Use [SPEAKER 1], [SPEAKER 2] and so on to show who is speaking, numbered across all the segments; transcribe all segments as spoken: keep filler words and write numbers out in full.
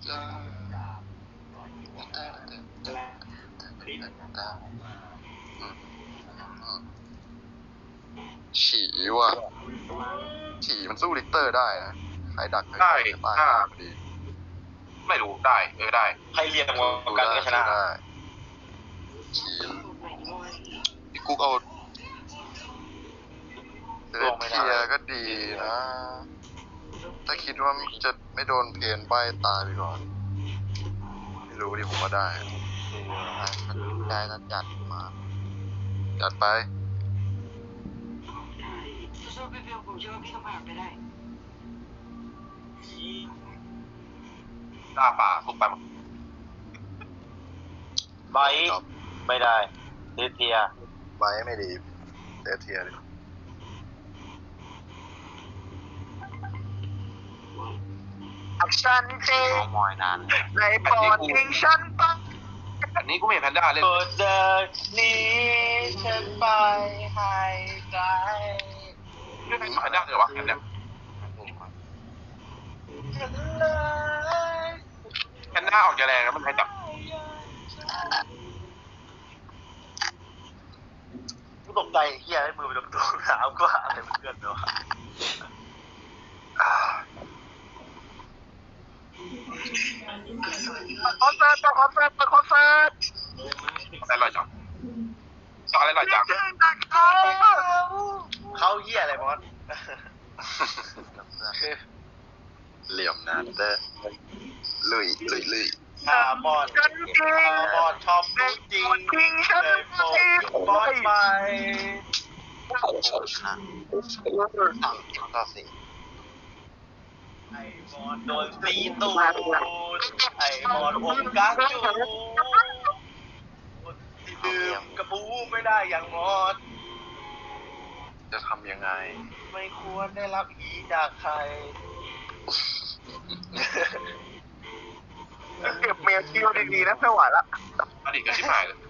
[SPEAKER 1] ฉี่ว่ะฉี่มันสู้ลิกเตอร์ได้นะใครดัก
[SPEAKER 2] ได้ถ้า
[SPEAKER 1] ดี
[SPEAKER 2] ไม่รู้ได้เออได้
[SPEAKER 3] ใครเรียงวงกันก็ชนะ
[SPEAKER 1] ฉี่พี่กุ๊กเอาเดินเทียก็ดีนะถ้าคิดว่าจะไม่โดนเพนใบตายไปก่อนไม่รู้ดิผมว่าได้ได้ก็จัดมาจัดไป
[SPEAKER 2] ตาป่าทุกไปหมด
[SPEAKER 3] ใบไม่ได้เดเทีย
[SPEAKER 1] ใบไม่ดีเดเทียดิ
[SPEAKER 4] ฉันจริงในปอดทิ้งฉันไป
[SPEAKER 2] อันนี้กูไม่เห็นแพนด้าเล่น
[SPEAKER 3] เปิดเดินนี้ฉันไปให้ไกล
[SPEAKER 2] ไม่เป็นแพนด้าเลยวะแพนด้าแพนด้าออกจะแรงนะมันใครจับ
[SPEAKER 3] กูตกใจเฮียให้มือไปโดนตัวหนาวกว่าอะไรเพื่อนเนาะ
[SPEAKER 4] คอนเสิร์ตคอนเสิร์ตคอนเสิร์ต
[SPEAKER 2] อะไรลอยจังสองอะไรลอยจัง
[SPEAKER 3] เขาเหี้ยอะไรบอส
[SPEAKER 1] เหลี่ยมนานเด้อลุยลุยลุย
[SPEAKER 3] ฮาบอนฮาบอนชอบจริงเลยโฟกบอสไป
[SPEAKER 1] ต่อสิ
[SPEAKER 3] ไอ้บอลโดนตีตูดไอ้บอลอมกักจูที่ดื่มกระปูไม่ได้อย่างมอด
[SPEAKER 1] จะทำยังไง
[SPEAKER 3] ไม่ควรได้รับอีจากใคร
[SPEAKER 4] เก็บเมียคิวดีๆนะไม่ไหวละ
[SPEAKER 2] อดีตก็ชิบหายเลย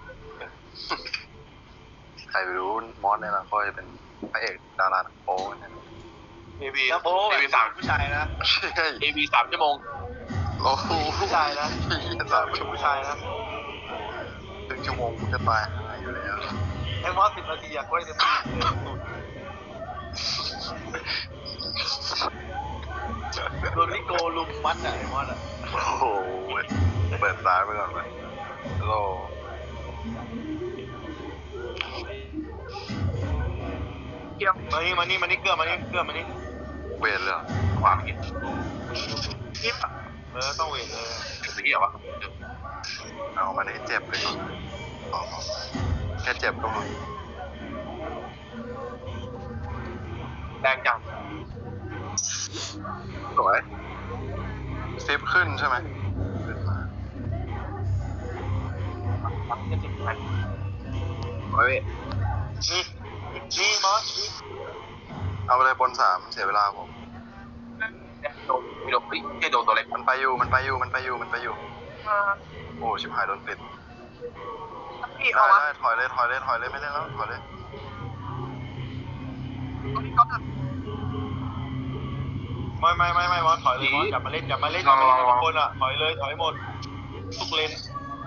[SPEAKER 1] ใครไม่รู้มอสเนี่ยนะก็จะเป็นพระเอกดาราโป๊เนี่ย
[SPEAKER 2] เอวี
[SPEAKER 3] เอวี
[SPEAKER 2] สาม
[SPEAKER 3] ผู้ชายนะ
[SPEAKER 2] เอวีสามชั่วโมง
[SPEAKER 1] โอ้โห
[SPEAKER 3] ผู้ชายนะ
[SPEAKER 1] สามชั่วโมง
[SPEAKER 3] ผู้ชายนะ
[SPEAKER 1] ถึงชั่วโมงจะตายอยู่แล้ว
[SPEAKER 3] ไอ้มอสสิบนาทีอยากไว้จะตีโดนลิโกลุมมัดอะไอ้มอสอะ
[SPEAKER 1] โอ้โหเปิดซ้ายไปก่อนเลยฮัลโหล
[SPEAKER 4] เกี่ยว
[SPEAKER 3] มานี่มานี่มานี่เกลือมานี่เกลือมานี่
[SPEAKER 1] เวทเลย
[SPEAKER 2] ขวาผิด
[SPEAKER 4] ยิบ
[SPEAKER 3] เออต้องเวทเออ
[SPEAKER 2] สิ่งที่เหรอวะ
[SPEAKER 1] เอามันให้เจ็บเลยแค่เจ็บก็พอ
[SPEAKER 2] แรงจัง
[SPEAKER 1] สวยซิปขึ้นใช่ไหมขึ้นมาเฮ้ย
[SPEAKER 3] นี่นี่มอส
[SPEAKER 1] เอาไปเลยบนสามเสียเวลาผม
[SPEAKER 2] โดนไม่โดนปิดแค่โดนตัวเล็ก
[SPEAKER 1] มันไปอยู่มันไปอยู่มันไปอยู่มันไปอยู่โอ้ชิบหายโดนปิดได้ได้ถอยเลยถอยเลยถอยเลยไม่ได้แล้วถอยเลย
[SPEAKER 3] ไม่ไม่ไม่ไม่มอสถอยเลยมอสกลับมาเล่นกลับมาเล่นกลับมาเล่นทุกคนอ่ะถอยเลยถอยหมดทุกเลน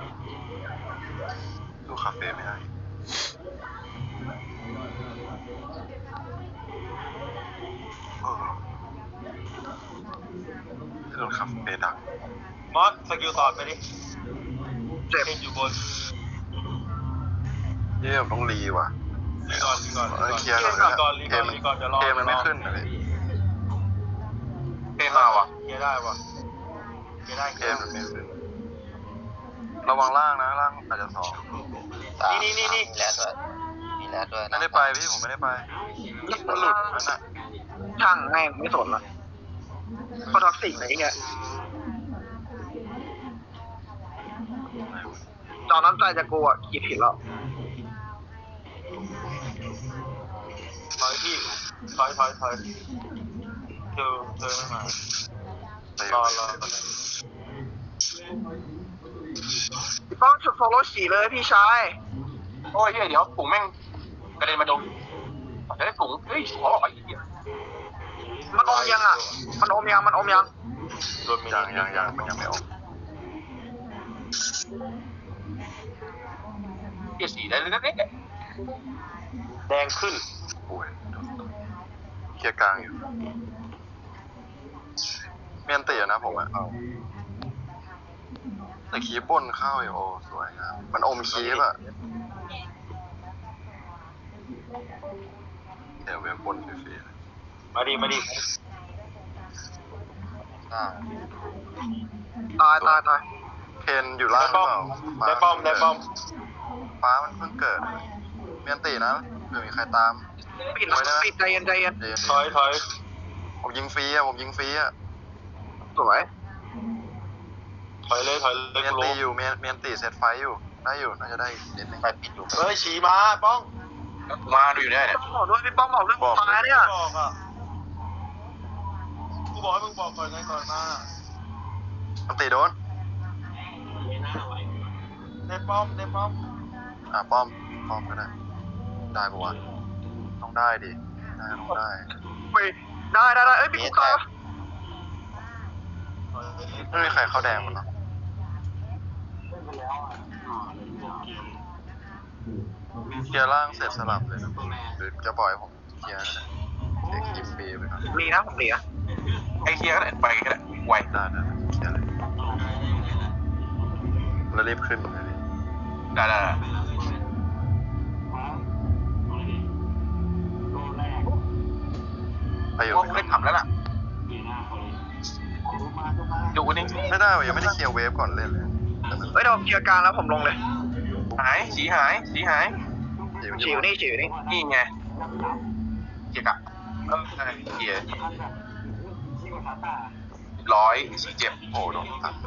[SPEAKER 1] ดูคาเฟ่ไม่ได้โดนคาเฟ่ดัก
[SPEAKER 3] มอสสกิลสอดไปดิเจ็บอยู่บน
[SPEAKER 1] เยี่ยมต้องรีว่ะ
[SPEAKER 3] รีก่อนรีก่อน
[SPEAKER 1] เคลียร์ก่อน
[SPEAKER 3] รีก่อนรีก่อนจะรอ
[SPEAKER 1] เกมมันไม่ขึ้นเลย
[SPEAKER 2] เกมมาว่ะ
[SPEAKER 3] เคลียร์ได้ว่ะเคลียร์ได้
[SPEAKER 1] เกมมันไม่ขึ้นระวังล่างนะล่างอาจจะสอง
[SPEAKER 3] นี่นี่นี่
[SPEAKER 4] มีแล้วด้วยมีแล้วด้วย
[SPEAKER 1] ไม่ได้ไปพี่ผมไม่ได้ไปมันหลุดนั่นน่ะ
[SPEAKER 4] ช่างแม่งไม่สนละก็ท็อกซิกอะไรเงี้ยตอนนั้นใจจะกลัวคิดผิดแล้ว
[SPEAKER 3] ถอยพี่ถอยถอยถอยเธอเธอไม่มารอรอ
[SPEAKER 4] พี่ป้องชุดโฟโล่สีเลยพี่ชาย
[SPEAKER 2] โอ้ยเดี๋ยวปุ๋งแม่งกระเด็นมาโดนเฮ้ยปุ๋งเฮ้ยขอบอกไอ้เหี้ย
[SPEAKER 4] มันอมยังอ่ะมันอมยังมันอมยัง
[SPEAKER 1] ยังยังยังมันยังไม่อม
[SPEAKER 2] เกียร์สีได้เลยนะเนี่ย
[SPEAKER 3] แดงขึ้น
[SPEAKER 1] โอ้ยเคลียร์กลางอยู่เมียนตีนะผมอะแต่คีบบนเข้าอยู่โอ้สวยงามมันอมคีบอะเดี๋ยวเว็บบนฟรีๆเลย
[SPEAKER 3] มาดิมาดิ
[SPEAKER 1] อ่า
[SPEAKER 4] ตายตายตาย
[SPEAKER 1] เพนอยู่ล่างหรือเปล่า
[SPEAKER 3] ได้ป้อมได้ป้อม
[SPEAKER 1] ฟ้ามันเพิ่งเกิดเมียนตีนะเผื่อมีใครตาม
[SPEAKER 4] ปิดแล้วปิดใจเย็นใจเย็น
[SPEAKER 1] เดี๋ยว
[SPEAKER 3] ถอยถอย
[SPEAKER 1] ผมยิงฟรีอะผมยิงฟรีอะ
[SPEAKER 4] สวย
[SPEAKER 3] ถอยเลยถอยเลย
[SPEAKER 1] เมียน
[SPEAKER 3] กู
[SPEAKER 1] ตี
[SPEAKER 3] รู้
[SPEAKER 1] อยู่เมียนเมียนตีเซตไฟอยู่ได้อยู่น่าจะได้อีกนิดนึง
[SPEAKER 3] ไปปิดอยู่เฮ้ยฉีมาป้อง
[SPEAKER 2] มาดูอยู่ได้เนี่ย
[SPEAKER 4] บอกด้วยพี่ป้องบอกด้วยตายเนี่ย
[SPEAKER 3] บอกอ่ะกูบอกให้มึงบอกก่อนไงก่อนมา
[SPEAKER 1] มันตีโดน
[SPEAKER 3] ได้ป้อมได้ป้อม
[SPEAKER 1] อ่ะป้อมป้อมก็ได้ได้ปะวะต้องได้ดิได้ต้องได้
[SPEAKER 4] ไปได้ได้ได้เอ้ยพี่กุ๊กตาย
[SPEAKER 1] ไม่มีใครเข้าแดงมันเนาะเคลียร์ล่างเสร็จสลับเลยนะหรือจะปล่อยให้ผมเคลียร์ก็ได้เช็คคลิปฟรีไปก่อน
[SPEAKER 4] มีนะผมเหลือ
[SPEAKER 2] ไอ้เกียร์ก็ได้ไปก็ได้ไว
[SPEAKER 1] ได้ได้ได้เคลียร์เลยแล้วรีบขึ้นเลยดิ
[SPEAKER 2] ได้ได้ได้
[SPEAKER 1] ไปอยู่
[SPEAKER 2] ว่ากูได้ทำแล้วล่ะดูนี่
[SPEAKER 1] ไม่ได้ว่ะยังไม่ได้เคลียร์เวฟก่อนเล่นเลยแต่มัน
[SPEAKER 4] เฮ้ยเดี๋ยวผมเคลียร์กลางแล้วผมลงเลย
[SPEAKER 2] หายสีหายสีหาย
[SPEAKER 1] เดี๋ยว
[SPEAKER 4] ฉีวนี่ฉีวนี่
[SPEAKER 2] นี่ไงเกียร์กะเออเกียร์ร้อยสีเจ็บ
[SPEAKER 1] โอ้โดนตัด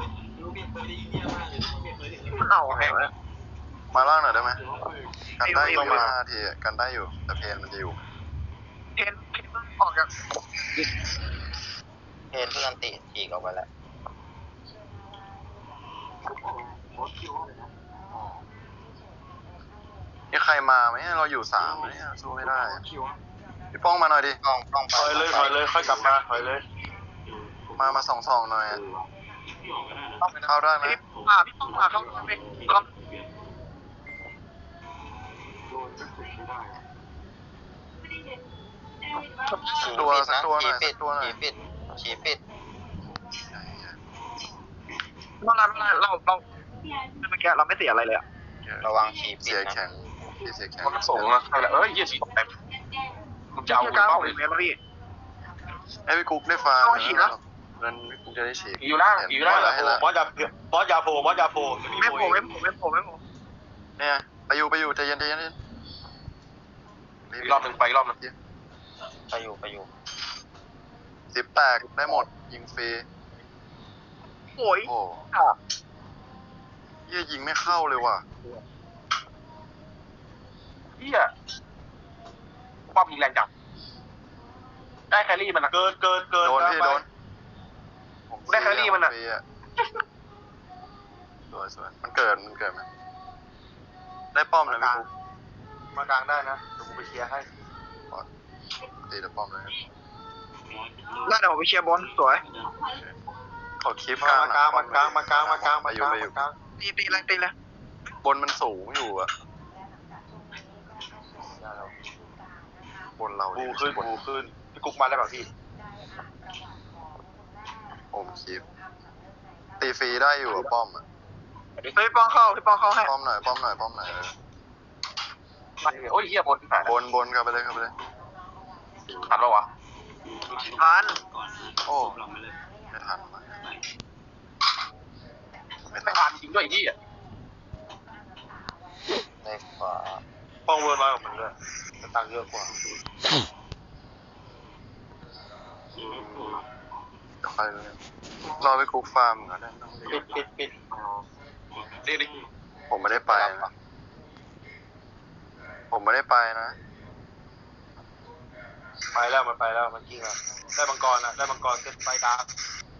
[SPEAKER 4] มันเอาแหง
[SPEAKER 1] มาล่างหน่อยได้ไหมกันได้อยู่มาทีอะกันได้อยู่แต่เพนมันจะอยู่
[SPEAKER 4] เพนเพนออกจาก
[SPEAKER 3] เพนเพื่อนติฉีกออกไปแล้ว
[SPEAKER 1] มีใครมาไหมเราอยู่สามเนี่ยสู้ไม่ได้พี่ป้องมาหน่อยดิ
[SPEAKER 3] ป้องป้องถอยเลยถอยเลยค่อยกลับมาถอยเลย
[SPEAKER 1] มามาสองสองหน่อยอะเข้าได้ไหม
[SPEAKER 4] พี่มาพี่ป้องมาเข้าไปเข้า
[SPEAKER 1] สักตัวสักตัวหน่อยสักตัวหน่อย
[SPEAKER 3] ปิดฉีปิด
[SPEAKER 4] เมื่อไรเมื่อไรเราเราเมื่อกี้เราไม่เสียอะไรเลยอะ
[SPEAKER 3] ระวังฉีปิด
[SPEAKER 1] เสีย
[SPEAKER 3] นะ
[SPEAKER 1] แข็งพี่เสียแข็ง
[SPEAKER 2] มันส่งนะใช่แล้วเอ้ยเกียร์สีเต็มมึงจะเอา
[SPEAKER 4] เคลียร์กลาง
[SPEAKER 2] เป้า
[SPEAKER 4] ผม
[SPEAKER 2] เลย
[SPEAKER 4] เมตรแล้วพี่
[SPEAKER 1] ไอ้พี่กุ๊กได้ฟัง
[SPEAKER 4] ต้องฉีดนะ
[SPEAKER 1] นั้นพี่กุ๊กจะได้ฉีด
[SPEAKER 2] อยู่ล่างอยู่ล่าง
[SPEAKER 1] ให้ละ
[SPEAKER 3] มอสยาบอสยาโผล่มอสยาโผล่
[SPEAKER 4] ไม่โผล่ไม่โผล่ไม่โผล่ไม่โผล่
[SPEAKER 1] เนี่ยไปอยู่ไปอยู่ใจเย็นใจเย็น
[SPEAKER 2] อีกรอบหนึ่งไปอีกรอบหนึ่ง
[SPEAKER 3] ไปอยู่ไปอยู่
[SPEAKER 1] สิบแตกได้หมดยิงฟรี
[SPEAKER 4] โอ้ย
[SPEAKER 1] โอ้เยี่ยยิงไม่เข้าเลยว่ะ
[SPEAKER 2] เฮียป้อมยิงแรงจังได้แครี่มันนะ
[SPEAKER 3] เกินเกินเกิน
[SPEAKER 1] โดนพี่โดนผม
[SPEAKER 2] ได้แครี่มันอะ
[SPEAKER 1] ฟรีสวยสวยมันเกิดมันเกิดไหมได้ป้อมเลยพี่กุ๊ก
[SPEAKER 3] มากลางได้นะเดี๋ยวกูไปเคลียร์ให้
[SPEAKER 1] ตีแต่ป้อมเลย
[SPEAKER 4] แล้วเดี๋ยวผมไปเชียร์บอลสวย
[SPEAKER 1] ขอคลิปกลาง
[SPEAKER 3] มากลางมากลางมากลางมากลาง
[SPEAKER 1] ไป
[SPEAKER 3] มา
[SPEAKER 1] อก ยู่
[SPEAKER 3] ลาง
[SPEAKER 1] ไปอยู่
[SPEAKER 3] มากลาง
[SPEAKER 4] ตีตีเลยตีเลย
[SPEAKER 1] บนมันสูงอยู่อะบนเรา
[SPEAKER 3] บู
[SPEAKER 1] เนี่ย
[SPEAKER 3] ขึ้น
[SPEAKER 1] บน
[SPEAKER 3] บูขึ้นพี่กุ๊กมาได้ป่ะพี่
[SPEAKER 1] โอมคลิปตีฟรีได้อยู่อะป้อมอะ
[SPEAKER 4] เฮ้ยป้องเข้าพี่ป้องเข้าให้
[SPEAKER 1] ป้อมหน่อยป้อมหน่อยป้อมหน่อยเออ
[SPEAKER 2] โอ้ยเฮียบนหาย
[SPEAKER 1] บนบนเข้าไปเลยเข้าไปเลย
[SPEAKER 2] ทันปะวะ
[SPEAKER 4] ทัน
[SPEAKER 1] โอ้ไม่ทันว่ะไม่
[SPEAKER 2] ไม่
[SPEAKER 1] ทัน
[SPEAKER 2] ทันจริงด้วยไอ้เฮีย
[SPEAKER 3] ในขวาป้องเวิร์นมากับมันด้วยแต่ตังค์เยอะกว่า
[SPEAKER 1] เดี๋ยวไปเลยรอไปคุกฟาร์มก่อนได้ต้องรี
[SPEAKER 3] ปิ
[SPEAKER 1] บ
[SPEAKER 3] ดปิดปิด
[SPEAKER 2] เรียกดิ
[SPEAKER 1] ผมไม่ได้ไปนะผมไม่ได้ไปนะ
[SPEAKER 3] ไปแล้วมันไปแล้วมันกิ้งแล้วได้มังกรอ่ะได้มังกรเซ็ตไฟดาร์ก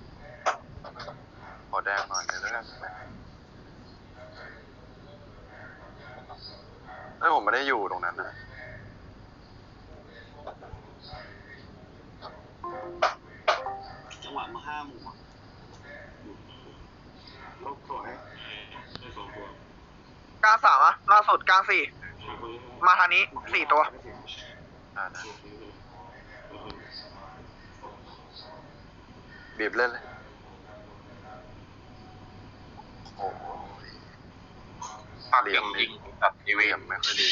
[SPEAKER 1] ขอแดงหน่อยเดี๋ยวแล้วกันเอ้ยผมไม่ได้อยู่ตรงนั้นนะ
[SPEAKER 5] จังหวะมาห้าหมู่อะ
[SPEAKER 4] กลางสามอะล่าสุดกลางสี่มาทางนี้สี่ตัว
[SPEAKER 1] อ่านะบีบเล่นเลยโอ้โห
[SPEAKER 2] ภาพเก่งยิงตัดเอ
[SPEAKER 1] เห
[SPEAKER 2] เว
[SPEAKER 1] ลี่ย
[SPEAKER 2] ม
[SPEAKER 1] มไม่ค่อยดี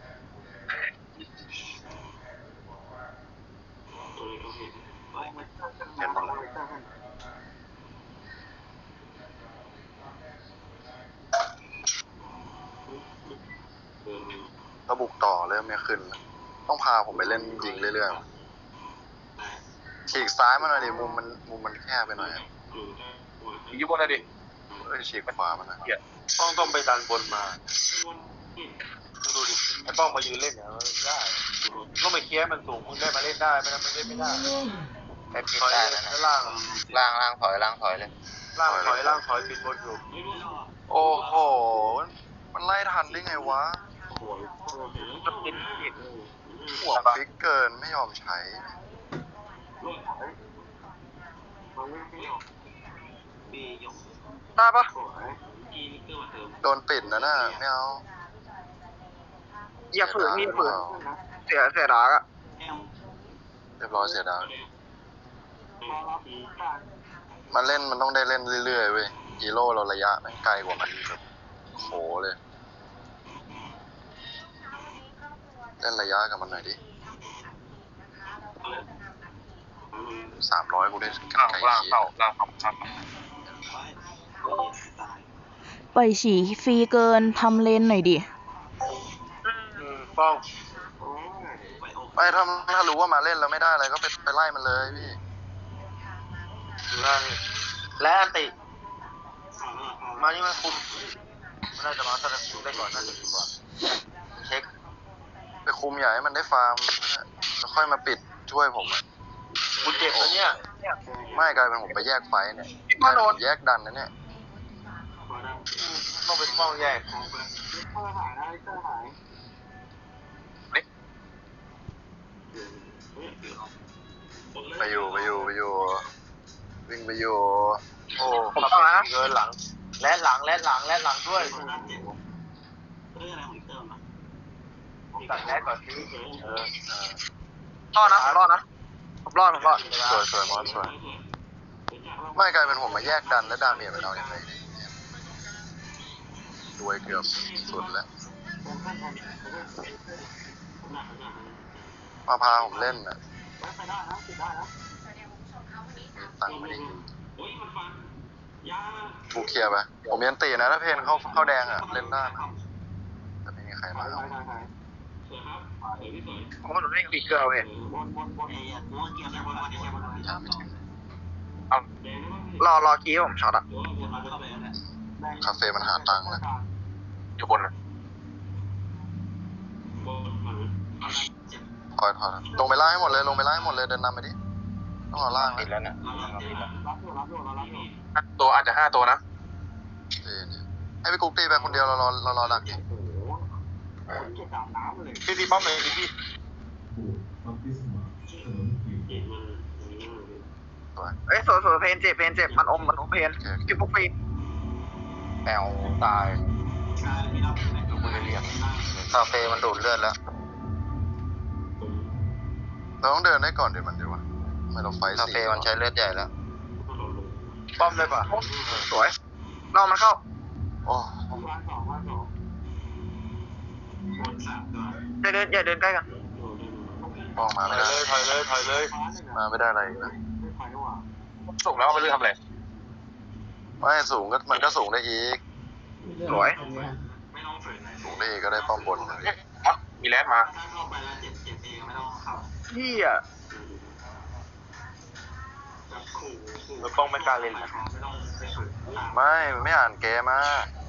[SPEAKER 1] เห็นหมดเลยก็บุกต่อเริ่มไม่ขึ้นแล้วต้องพาผมไปเล่นยิงเรื่อยๆฉีกซ้ายมาหน่อยดิมุมมันมุมมันแคบไปหน่อยอะ
[SPEAKER 2] ยิงบนเลยดิ
[SPEAKER 1] เอ้ยฉีกขวามันนะ
[SPEAKER 3] ป้องต้องไปดันบนมาดูดิไอ้ป้องมายืนเล่นเนี่ยมันได้ต้องไปเคลียร์มันสูงมึงได้มาเล่นได้ไม่งั้นมันเล่นไม่ได้
[SPEAKER 1] ไอ้ปิด
[SPEAKER 3] ถอย
[SPEAKER 1] ได้
[SPEAKER 3] เล
[SPEAKER 1] นะ
[SPEAKER 3] ยล่าง
[SPEAKER 1] ล่างล่างถอยล่างถอยเลย
[SPEAKER 3] ล่างถอยล่างถอยปิดบนอยู่
[SPEAKER 1] โอ้โห มันไล่ทันได้ไงวะ
[SPEAKER 4] จะกินผิด
[SPEAKER 1] หัวฟิกเกินไม่ยอมใช้
[SPEAKER 4] ได้ปะ
[SPEAKER 1] โดนปิดนะน่ะไม่เอา
[SPEAKER 4] อย่าฝืนมีฝืนเสียเสียดากอะ
[SPEAKER 1] เรียบร้อยเสียดาวมันเล่นมันต้องได้เล่นเรื่อยๆเว้ยฮีโร่เราระยะแม่งไกลกว่ามันแบบโหเลย เล่นระยะกับมันหน่อยดิสามร้อยกูได้
[SPEAKER 2] ล่าง
[SPEAKER 1] ไกล
[SPEAKER 2] ล่าง
[SPEAKER 1] เคีย
[SPEAKER 2] เข้าล่างเข้าล่าง
[SPEAKER 5] ปล่อยฉี่ฟรีเกินทำเลนหน่อยดิ
[SPEAKER 3] อืมป้อง
[SPEAKER 1] ไม่ถ้าถ้ารู้ว่ามาเล่นแล้วไม่ได้อะไรก็ไปไปไล่มันเลยพี่
[SPEAKER 3] อยู่หน้านี่และอันติมานี่มันคุมมันน่าจะมาสนับสนุนได้ก่อนน่าจะดีกว่าเช็ค
[SPEAKER 1] ไปคุมอย่าให้มันได้ฟาร์มแล้วค่อยมาปิดช่วยผมอะ
[SPEAKER 3] กูเจ็บแล้วเนี่ย
[SPEAKER 1] ไม่กลายเป็นผมไปแยกไฟเนี่ย
[SPEAKER 4] มาโดน
[SPEAKER 1] แยกดันนะเนี่ย
[SPEAKER 3] ต้องเป็นป้องแยก
[SPEAKER 1] ไปอยู่ไปอยู่ไปอยู่วิ่งไปอยู่
[SPEAKER 3] โอ้ขับเกินหลัง และหลังและหลังและหลังด้วยตัดแรกก่อนที่เออ
[SPEAKER 4] รอดนะผมรอดนะผมรอดผมรอด
[SPEAKER 1] สวยสวยมอสสวยไม่กลายเป็นผมมาแยกดันแล้วดาเมจไปเอาอย่างไรรวยเกือบสุดแล้วมาพาผมเล่นน่ะมีตังค์ไม่ได้ยินกูเคลียร์ไปผมยันตีนะถ้าเพนเข้าเข้าแดงอ่ะเล่นได้นะแต่ไม่มีใครมาเอา
[SPEAKER 4] ผมว่าหนูเล่นปีกเกอร์เว้ย
[SPEAKER 1] ยังไม่ถึง
[SPEAKER 4] รอรอคีย์ผมช็อตอะ
[SPEAKER 1] คาเฟ่มันหาตังค์แล้ว
[SPEAKER 2] อยู่บน
[SPEAKER 1] ถอยถอยลงไปล่างให้หมดเลยลงไปล่างให้หมดเลยเดินนำไปดิต้องเอาล่าง
[SPEAKER 2] ติด
[SPEAKER 1] แล้
[SPEAKER 2] แล้ว วนะตัวอาจจะห้าตัวนะ
[SPEAKER 1] ให้ไปกุ๊กตีไปคนเดียวเรารอเรารอดักดิ
[SPEAKER 2] พี่พี่ป้อมเลยพี่พี่
[SPEAKER 1] สวย
[SPEAKER 4] เอ้ยสวยสวยเพนเจ็บเพนเจ็บมันอมมันอมเพนกินพวกฟรี
[SPEAKER 1] แมวตายดูมือเรียกคาเฟ่มันดูดเลือดแล้วเราต้องเดินได้ก่อนเดี๋ยวมันดีวะไม่เราไฟคาเฟ่มันใช้เลือดใหญ่แล้ว
[SPEAKER 3] ป้อมเลยป่ะ
[SPEAKER 4] สวยรอมันเข้า
[SPEAKER 1] โอ้
[SPEAKER 4] อย่าเดินอย่าเดินใกล้กัน
[SPEAKER 1] ป้องมา
[SPEAKER 3] ถ
[SPEAKER 1] ไม่
[SPEAKER 3] อย
[SPEAKER 1] ได้
[SPEAKER 3] เลยถอยเลยถอยเลย
[SPEAKER 1] มาไม่ได้อะไรอีกนะ
[SPEAKER 2] ส่งแล้วเอาไปเรื่องทำอะไร
[SPEAKER 1] ไม่สูงก็มันก็สูงได้อีก
[SPEAKER 4] สวย
[SPEAKER 1] สูงได้อีกก็ได้ป้อมบนเลย
[SPEAKER 2] อ๋อมีแรดมา
[SPEAKER 4] พี่อะ
[SPEAKER 3] แล้วป้องไม่กล้าเล่นนะ
[SPEAKER 1] ไม่มันไม่อ่านเกมมา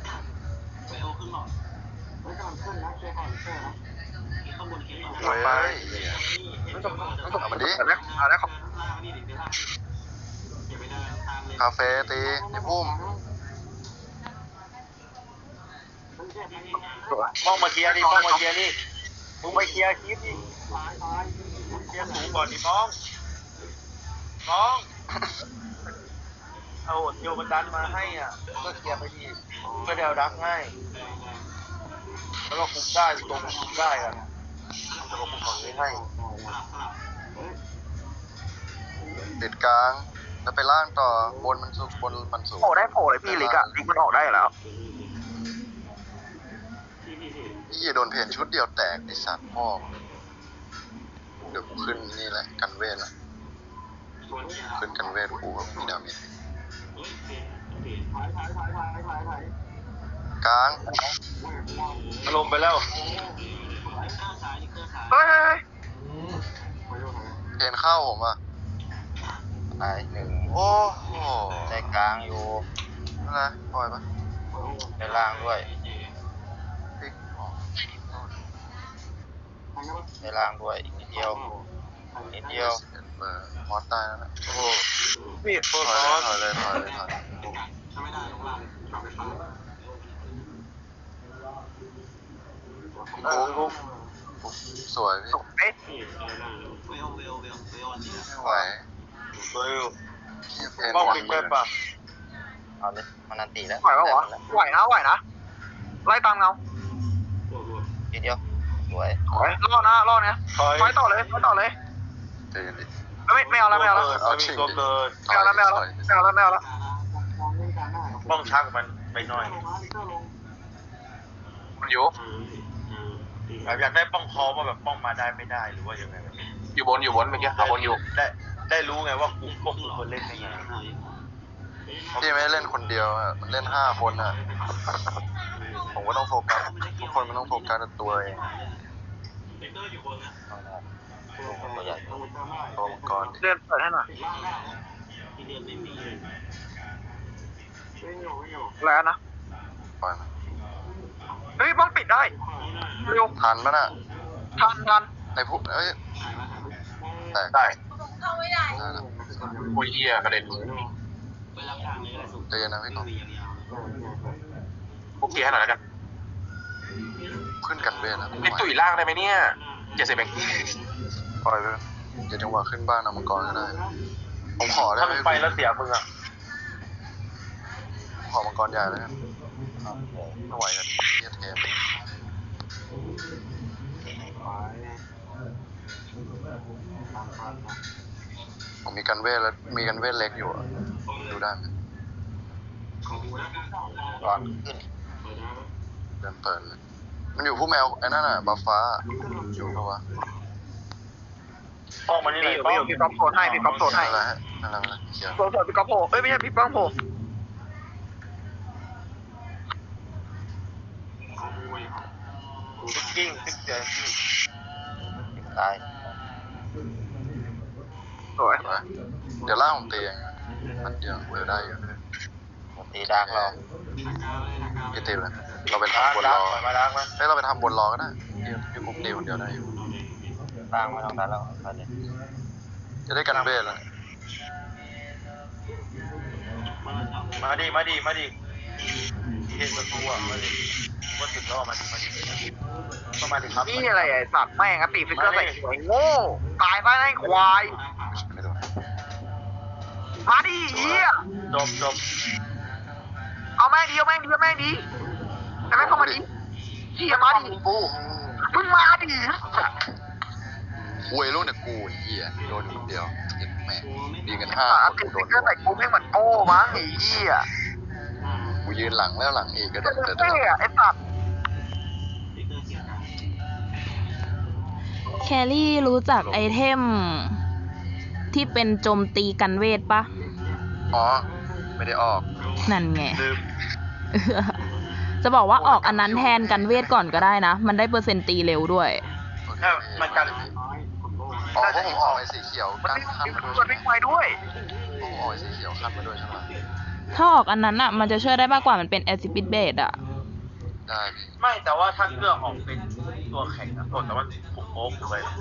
[SPEAKER 1] เว้ย
[SPEAKER 4] มันต้องมันต้อง
[SPEAKER 1] เอามาดิ
[SPEAKER 4] เอาแล้วเอาแล้วครับ
[SPEAKER 1] คาเฟ่ตีไอ้พุ่ม
[SPEAKER 4] สวย
[SPEAKER 3] ป้องมาเคลียร์ดิป้องมาเคลียร์ดิมึงไปเคลียร์คลิปดิเคลียร์สูงก่อนดิป้องป้องเอาโยมันดันมาให้อ่ะก็เคลียร์ไปดีก็เดวดักให้แล้วก็คุมได้ตรงคุมได้อ่ะแล้วก็คุมฝั่งนี้ให้
[SPEAKER 1] ติดกลางแล้วไปล่างต่อบนมันสูงบนมันสูง
[SPEAKER 4] โผล่ได้โผล่เลยพี่ลิกอะลิกมันออกได้อยู่แล้ว
[SPEAKER 1] พี่โดนเพนชุดเดียวแตกไอสัตว์พ่อเดี๋ยวกูขึ้นนี่แหละกันเวทละขึ้นกันเวทกูกับมีดาเมจกลาง
[SPEAKER 3] อารมณ์ไปแล้ว
[SPEAKER 4] เฮ้ยเฮ้ยเฮ้ย
[SPEAKER 1] เพนเข้าผมอ่ะ
[SPEAKER 3] ตายหนึ่ง
[SPEAKER 1] โอ้โห
[SPEAKER 3] ได้กลางอยู่
[SPEAKER 1] อะไรปล่อยปะ
[SPEAKER 3] ได้ล่างด้วย
[SPEAKER 1] พลิกออก
[SPEAKER 3] ได้ล่างด้วยอีกนิดเดียวนิดเดียว
[SPEAKER 1] สิบเอ็ดเบอร์มอสตายแล้วนะ
[SPEAKER 3] โอ้โห
[SPEAKER 4] พี่
[SPEAKER 3] โค
[SPEAKER 1] ถ
[SPEAKER 3] ต
[SPEAKER 1] อ
[SPEAKER 3] ร
[SPEAKER 1] ย
[SPEAKER 3] ร้
[SPEAKER 1] เล
[SPEAKER 3] อย น
[SPEAKER 1] ถอยเลยถอยเลยถอยเลยโอ้โหสวยพี่
[SPEAKER 4] เอ๊ะ
[SPEAKER 1] ไม่ไหว
[SPEAKER 3] เบอร์อยู่
[SPEAKER 1] พี่เพน
[SPEAKER 3] ป้อง
[SPEAKER 1] วัน
[SPEAKER 3] ปิด
[SPEAKER 1] หมื่
[SPEAKER 3] ได้
[SPEAKER 1] น
[SPEAKER 3] ปะเอาเลยมันนันตีแล้ว
[SPEAKER 4] ไหวปะวะไหวนะไหวนะไล่ตามเงา
[SPEAKER 3] นิดเดียวสวย
[SPEAKER 4] ไหวรอดนะรอดนะ
[SPEAKER 3] ถอย
[SPEAKER 4] ไฟต่อเลยไฟต่อเลย
[SPEAKER 1] ใจเย็นดิ
[SPEAKER 4] ไม่ไม่เอาแล้วไม่เอาแล้ว
[SPEAKER 1] เอาชิง
[SPEAKER 3] ตัว
[SPEAKER 1] ดิ
[SPEAKER 3] เกิด
[SPEAKER 4] ไม่เอาแล้วไม่เอาแล้วไม่เอาแล้วไม่เอาแล้ว
[SPEAKER 3] ป้องชักมันไปหน่อย
[SPEAKER 2] มันอยู่
[SPEAKER 3] แบบอยากได้ป้องคอว่าแบบป้องมาได้ไม่ได้หรือว่ายังไงแบบนี้
[SPEAKER 2] อยู่บนอยู่บนเมื่อกี้หาบนอยู่
[SPEAKER 3] ได้ได้รู้ไงว่ากูป้องคือคนเล่นยังไง
[SPEAKER 1] พี่ไม่ได้เล่นคนเดียวอ่ะมันเล่นห้าคนอ่ะผมก็ต้องโฟกัสทุกคนมันต้องโฟกัสกับตัวเอง
[SPEAKER 3] ตัวใหญ่
[SPEAKER 1] ตัวมังกรดิ
[SPEAKER 4] เลื่อนเปิดให้หน่อยแล้วนะ
[SPEAKER 1] ปล่อยมัน
[SPEAKER 4] เฮ้ยบ้องปิดได้เร็ว
[SPEAKER 1] ทันปะน่ะ
[SPEAKER 4] ทันทัน
[SPEAKER 1] ในพวกเอ้ยแตก
[SPEAKER 2] ได้
[SPEAKER 1] ได้แล้ว
[SPEAKER 2] โอ้ยเหี้ยกระเด็น
[SPEAKER 1] ใจเย็นนะพี่กอง
[SPEAKER 2] พวกเคลียร์ให้หน่อยแล้วกัน
[SPEAKER 1] ขึ้นกันเวทแล้ว
[SPEAKER 2] ไอ้ตุ๋ยล่างได้ไหมเนี่ยเจ็ดสิบเอง
[SPEAKER 1] ปล่อยไปเดี๋ยวจังหวะขึ้นบ้านเอามังกรก็ได้ผมขอได้
[SPEAKER 3] ถ้า
[SPEAKER 1] ไหม
[SPEAKER 3] มันไปแล้วเสียมึงอ่ะ
[SPEAKER 1] ขอมังกรใหญ่แล้วกันไม่ไหวกันเทียเทมผมมีกันเวทแล้วมีกันเวทเล็กอยู่อะดูได้ไหม
[SPEAKER 3] ก่อนขึ้น
[SPEAKER 1] เดินเปิดเลยมันอยู่ผู้แมวไอ้นั่นน่ะบัฟฟ้าอยู่ปะวะ
[SPEAKER 3] ป้องมันนี่เล
[SPEAKER 4] พี่
[SPEAKER 3] ย
[SPEAKER 4] อยู่พี่อยู่พี่ก๊อฟโผล่ให้พี่ก๊อฟโผล่ให้
[SPEAKER 1] อะไรฮะอะไรอะไรเขียว
[SPEAKER 4] โผล่โผล่พี่ก๊อฟโผล่เอ้ยไม่ใช่พี่ป้องโผล่
[SPEAKER 3] กิ้งติ๊กเจอตาย
[SPEAKER 4] สวย
[SPEAKER 1] เห็นไหมเดี๋ยวล่างผมตีเองมันเดียวเดี๋ยวได้อยู่
[SPEAKER 3] ตีดักเรา
[SPEAKER 1] พี่ตีเลยเราไป
[SPEAKER 3] ดัก
[SPEAKER 1] ทำบน
[SPEAKER 3] ดั
[SPEAKER 1] ร
[SPEAKER 3] ก
[SPEAKER 1] อ
[SPEAKER 3] ปล่อยมาดักมา
[SPEAKER 1] เฮ้ยเราไปทำบนรอก็ได้พี่พี่คุกตีคนเดียวได้อยู่
[SPEAKER 3] ดักมาตรงนั้นแล้วไปเลย
[SPEAKER 1] จะได้กันเวทแล้ว
[SPEAKER 3] มาดิมาดิมาดิเห็นประตูอ่ะมาดิว่าถึงแล้วมาดิมาดิก็มาดิครับ
[SPEAKER 4] นี่อะไรไอ้สัตว์แม่งอะตีฟิกเกอร์ใส่หัวโง่ตายไปไอ้ควาย
[SPEAKER 1] ไม่โดน
[SPEAKER 4] มาดิเฮีย
[SPEAKER 3] จบจบ
[SPEAKER 4] เอาแม่งดีเอาแม่งดีเอาแม่งดีแต่แม่งเข้ามาดิเฮียมาดิมึงมาดิ
[SPEAKER 1] คุยลูกเนี่ยกูเหี้ยโดนคนเดียวเจ็ดแม่งดีกันห้า
[SPEAKER 4] อ่ะ
[SPEAKER 1] คน
[SPEAKER 4] ติด
[SPEAKER 1] กูโด
[SPEAKER 4] ฟิ
[SPEAKER 1] น
[SPEAKER 4] กเกอร์ใส่กูไม่งเหมือนโก้มั้งไอ้เฮีย
[SPEAKER 1] กูยืนหลังแล้วหลังอีกก็
[SPEAKER 4] เท่
[SPEAKER 1] เดี๋ยวเดี๋ยว
[SPEAKER 4] อะไอ้สัตว์
[SPEAKER 5] แครี่รู้จักไอเทม ที่เป็นโจมตีกันเวทปะ
[SPEAKER 1] อ๋อไม่ได้ออก
[SPEAKER 5] นั่นไง
[SPEAKER 3] ลืม
[SPEAKER 5] จะบอกว่าออกอันนั้นแทนกันเวทก่อนก็ได้นะ มันได้เปอร์เซ็นต์ตีเร็วด้วย
[SPEAKER 1] โอเค
[SPEAKER 3] ถ้ามันกัน
[SPEAKER 1] อ๋อเพราะผมออกไอ้สีเขียว
[SPEAKER 4] มัน
[SPEAKER 1] กั้น
[SPEAKER 4] ไม่
[SPEAKER 1] ขั้นมาด้วย
[SPEAKER 4] มันไม่ไวด้วย
[SPEAKER 1] ผมออกไอ้สีเขียวขั้นมาด้วยใช่ไหม
[SPEAKER 5] ถ้าออกอันนั้นอ่ะ มันจะช่วยได้มากกว่ามันเป็นแอซิปิดเบสอ่ะ
[SPEAKER 1] ได้พี่
[SPEAKER 3] ไม่แต่ว่าถ้าเครื่องออกเป็นตัวแข็งนะแต่ว่าผมโอ๊กเลย